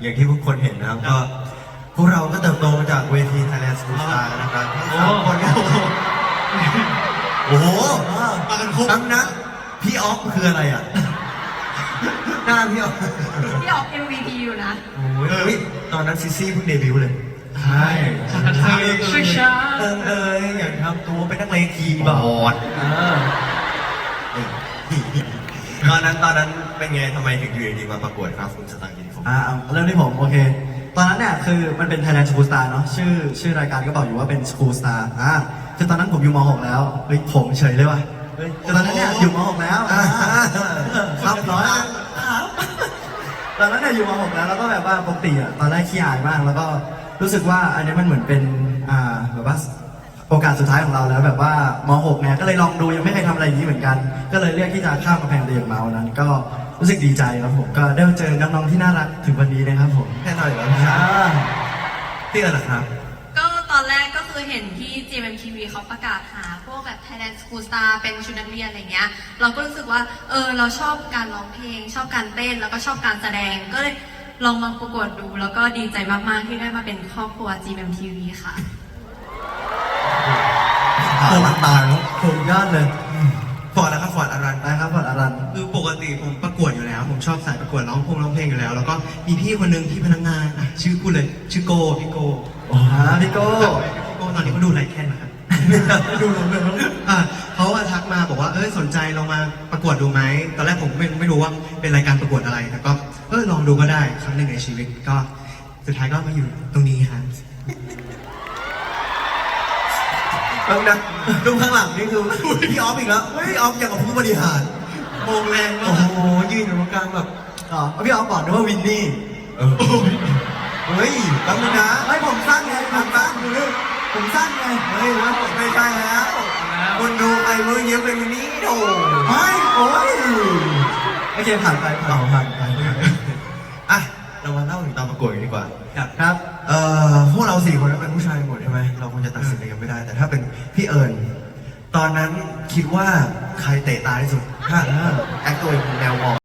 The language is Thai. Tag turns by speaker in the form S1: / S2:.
S1: อย่างที่ทุกคนเห็นนะครับก็พวกเราก็เติบโตมาจากเวที Thailand Superstar นะครับทั้งสามคนเนี่ยโอ้โหมากันครบทั้งนั้นพี่ออฟคืออะไรอ่ะหน้าพี่ออฟ
S2: พี่ออก MVP อยู่นะ
S1: โอ้ยตอนนั้นซิซี่เพิ่งเดบิวต์เลยใช่
S2: ช่วยช้า
S1: อยากทำตัวเป็นนักเลงคีย์บอร์ดตอนนั้นเป็นไงทำไมถึงอยู่ดีมาประกวดครับคุณสตางค์กินผม
S3: เริ่มที่ผมโอเคตอนนั้นเนี่ยคือมันเป็น Thailand Superstar เนาะชื่อรายการก็บอกอยู่ว่าเป็น Superstar คือตอนนั้นผมอยู่ม .6 แล้วเฮ้ยผมเฉยเลยว่ะคือตอนนั้นเนี่ยอยู่ม .6 แล้วครับร้อยตอนนั้นเนี่ยอยู่ม .6 แล้วก็แบบว่าปกติตอนแรกขี้อายมากแล้วก็รู้สึกว่าอันนี้มันเหมือนเป็นแบบว่าโอกาสสุดท้ายของเราแล้วแบบว่าม.6 เนี่ยก็เลยลองดูยังไม่เคยทำอะไรอย่างนี้เหมือนกันก็เลยเลือกที่จะข้ามกำแพงเรียนมาวันนั้นก็รู้สึกดีใจครับผมก็ได้เจอน้องๆที่น่ารักถึงวันนี้นะครับผม
S1: แน่นอนอยู่แล้วพี่เอิญนะครับ
S2: ก็ตอนแรกก็คือเห็นที่ GMMTV เขาประกาศหาพวกแบบ Thailand School Star เป็นชุดนักเรียนอะไรเงี้ยเราก็รู้สึกว่าเราชอบการร้องเพลงชอบการเต้นแล้วก็ชอบการแสดงก็เลยลองมาประกวดดูแล้วก็ดีใจมากๆที่ได้มาเป็นครอบครัว GMMTV ค่ะ
S1: ตาแล้ว
S3: ถูกยอดเลย
S1: ฟอร์ดแล้วครับฟอร์ดอารัน
S3: นะครับฟอร์ดอารัน
S4: คือปกติผมประกวดอยู่แล้วผมชอบสายประกวดร้องเพลงอยู่แล้วแล้วก็มีพี่คนนึงที่พนักงานชื่อพูดเลยชื่อโกพี่โก
S3: พี่โก้
S4: ตอนนี้เขาดูไลค์แค่นะครับ
S3: ดูลงเลย
S4: เขาทักมาบอกว่าสนใจลองมาประกวดดูไหมตอนแรกผมไม่รู้ว่าเป็นรายการประกวดอะไรแต่ก็ลองดูก็ได้ครั้งหนึ่งในชีวิตก็สุดท้ายก็มาอยู่ตรงนี้ฮะ
S1: แล้วนะดูข้างหลังนี่คือพี่ออฟอีกแล้วพี่ออฟอย่างกับผู้บริหาร
S4: โมงแรงมา
S1: กโอ้โหยืนอยู่
S4: ต
S1: รงกลางแบบ
S3: พี่ออฟบอกด้วยว่าวินนี่
S1: เฮ้ยแป๊บนึงนะ
S3: ไม่ผมสั้นไงผมสั้นผมสั้นไง
S1: เฮ้ยว่าผมไม่ใช่แล้วคนดูใครมือเยอะเป็นนี้โถ
S3: ไม่โอ้ยโอเคผ่านไป
S1: อ่ะเรามาเล่าถึงตอนประกวดกันดีกว่า
S3: ครับ
S1: พวกเรา4คนเป็นผู้ชายหมดใช่ไหมเราคงจะตัดสินอะไรกันไม่ได้แต่ถ้าเป็นพี่เอิญตอนนั้นคิดว่าใครเตะตาที่สุดถ้าแอคตัวเป็นแนวมอง